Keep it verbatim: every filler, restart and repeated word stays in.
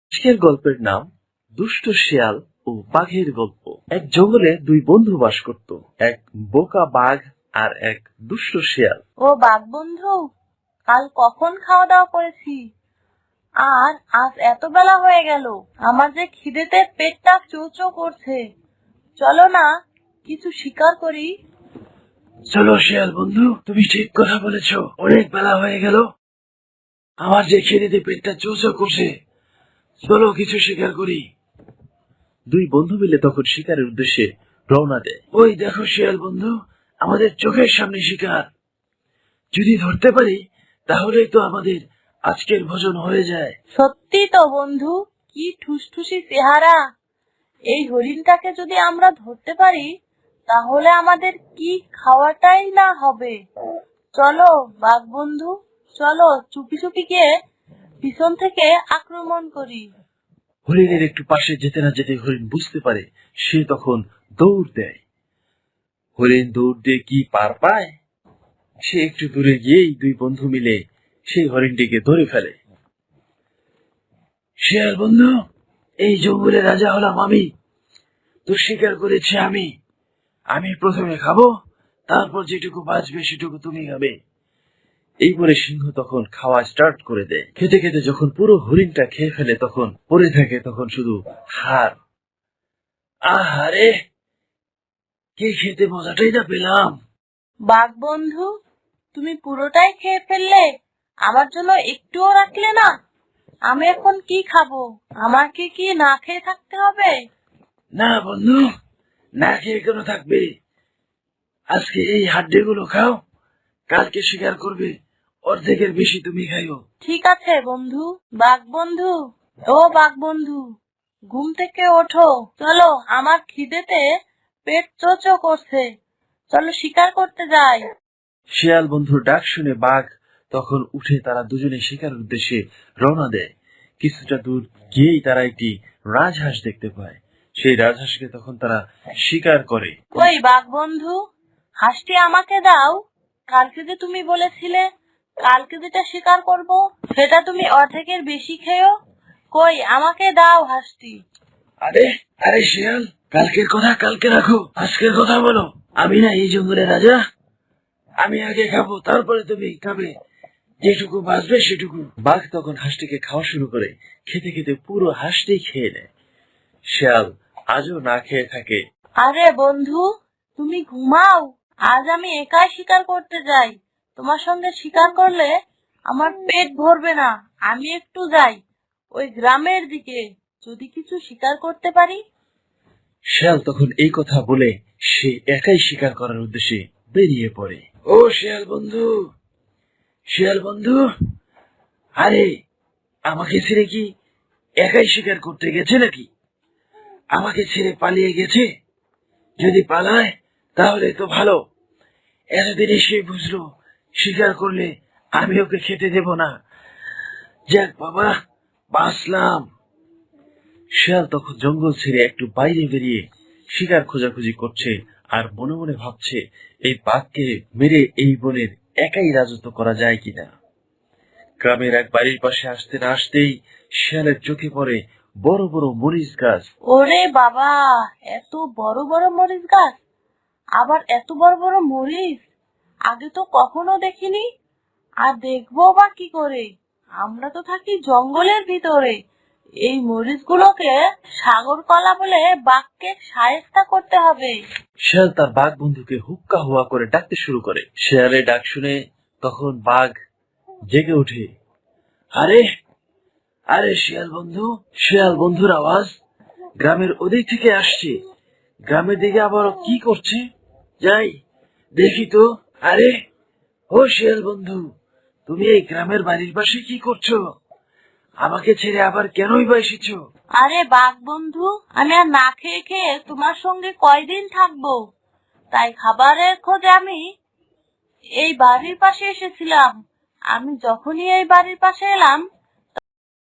আজকের গল্পের নাম দুষ্ট শিয়াল ও বাঘের গল্প। এক জঙ্গলে দুই বন্ধু বাস করত, এক বোকা বাঘ আর এক দুষ্ট শিয়াল। ও বাঘ বন্ধু, কাল কখন খাওয়া দাওয়া করেছি আর আজ এত বেলা হয়ে গেল। আমার যে খিদেতে পেটটা চোচো করছে। চলো না কিছু শিকার করি। চলো শিয়াল বন্ধু, তুমি ঠিক কথা বলেছ। অনেক বেলা হয়ে গেল, আমার যে খিদেতে পেটটা চোচো করছে। চলো কিছু শিকার করি। দুই বন্ধু মিলে তখন শিকারের উদ্দেশ্যে রওনা দেয়। ওই দেখো শিয়াল বন্ধু, আমাদের চোখের সামনে শিকার। যদি ধরতে পারি তাহলেই তো আমাদের আজকের ভোজন হয়ে যায়। সত্যি তো বন্ধু, কি ঠুসঠুসি চেহারা। এই হরিণটাকে যদি আমরা ধরতে পারি তাহলে আমাদের কি খাওয়াটাই না হবে। চলো বাঘ বন্ধু, চলো চুপি চুপি গিয়ে পিছন থেকে আক্রমণ করি। হরিণের একটু পাশে যেতে না যেতে হরিণ বুঝতে পারে, সে তখন দৌড় দেয়। হরিণ দৌড় দিয়ে কি পার পায়, সে একটু দূরে গিয়েই দুই বন্ধু মিলে সেই হরিণটিকে ধরে ফেলে। শিয়াল বন্ধু, এই জঙ্গলের রাজা হলাম আমি, তো শিকার করেছি আমি। আমি প্রথমে খাবো, তারপর যেটুকু বাঁচবে সেটুকু তুমি খাবে। এই বলে সিংহ তখন খাওয়া স্টার্ট করে দেয়। খেতে খেতে যখন পুরো হরিণটা খেয়ে ফেলে তখন পড়ে থাকে তখন শুধু হাড়। আহারে, কে খেতে মজাটাই না পেলাম। বাঘ বন্ধু, তুমি পুরোটাই খেয়ে ফেললে, আমার জন্য একটুও রাখলে না। আমি এখন কি খাবো? আমাকে কি না খেয়ে থাকতে হবে? না বন্ধু, না খেয়ে কেন থাকবে? আজকে এই হাড্ডিগুলো খাও, কালকে শিকার করবে, অর্ধেকের বেশি তুমি খাইও। ঠিক আছে বন্ধু। বাঘ বন্ধু, ও বাঘ বন্ধু, ঘুম থেকে ওঠো। চলো, আমার খিদেতে পেট চোচো করছে। চলো শিকার করতে যাই। শিয়াল বন্ধুর ডাক শুনে বাঘ তখন উঠে তারা দুজনে শিকারের উদ্দেশ্যে রওনা দেয়। কিছুটা দূর গিয়েই তারা একটি রাজহাঁস দেখতে পায়। সেই রাজহাঁসকে তখন তারা শিকার করে। ওই বাঘ বন্ধু, হাঁসটি আমাকে দাও। কালকে যে তুমি বলেছিলে কালকে যেটা শিকার করব সেটা তুমি অর্ধেকের বেশি খেয়েও। কই, আমাকে দাও হাঁসটি। আরে আরে শিয়াল, কালকের কথা কালকে রাখো, আজকের কথা বলো। আমি না এই জঙ্গলের রাজা, আমি আগে খাবো, তারপরে তুমি খাবে, যেটুকু বাঁচবে সেটুকু। বাঘ তখন হাঁসটিকে খাওয়া শুরু করে, খেতে খেতে পুরো হাঁসটি খেয়ে নেয়। শিয়াল আজও না খেয়ে থাকে। আরে বন্ধু, তুমি ঘুমাও। আজ আমি একাই শিকার করতে যাই। তোমার সঙ্গে শিকার করলে আমার পেট ভরবে না। আমি একটু যাই ওই গ্রামের দিকে, যদি কিছু শিকার করতে পারি। শিয়াল তখন এই কথা বলে সে একাই শিকার করার উদ্দেশ্যে বেরিয়ে পড়ে। ও শিয়াল বন্ধু, শিয়াল বন্ধু, আরে আমাকে ছেড়ে কি একাই শিকার করতে গেছে নাকি? আমাকে ছেড়ে পালিয়ে গেছে? যদি পালায় তাহলে তো ভালো। এতদিন এসে বুঝলো শিকার করলে আমি ওকে খেতে দেব না। যাক বাবা, বাঁচলাম। শিয়াল তখন জঙ্গল ছেড়ে একটু বাইরে বেরিয়ে শিকার খোঁজাখুঁজি করছে আর মনে মনে ভাবছে এই বাঘকে মেরে এই বনের একাই রাজত্ব করা যায় কিনা। গ্রামের এক বাড়ির পাশে আসতে না আসতেই শিয়ালের চোখে পড়ে বড় বড় মরিচ গাছ। ওরে বাবা, এত বড় বড় মরিচ গাছ, আবার এত বড় বড় মরিচ আগে তো কখনো দেখিনি। আর দেখবো বা কি করে? আমরা তো থাকি জঙ্গলের ভিতরে। এই মরিচগুলোকে সাগর কলা বলে বাঘকে শায়েস্তা করতে হবে। শিয়াল তার বাঘ বন্ধুকে হুক্কা হুয়া করে ডাকতে শুরু করে। শিয়ালের ডাক শুনে তখন বাঘ জেগে ওঠে। আরে আরে শিয়াল বন্ধু, শিয়াল বন্ধুর আওয়াজ গ্রামের ওদিক থেকে আসছে। গ্রামের দিকে আবার কি করছে? যাই দেখি তো। আরে ও শিয়াল বন্ধু, তুমি এই গ্রামের বাড়ির পাশে কি করছো? আমাকে ছেড়ে আবার কেনই বা এসেছো? আরে বাঘ বন্ধু, আমি আর না খেয়ে খেয়ে তোমার সঙ্গে কয়দিন থাকবো, তাই খাবারের খোঁজে আমি এই বাড়ির পাশে এসেছিলাম। আমি যখনই এই বাড়ির পাশে এলাম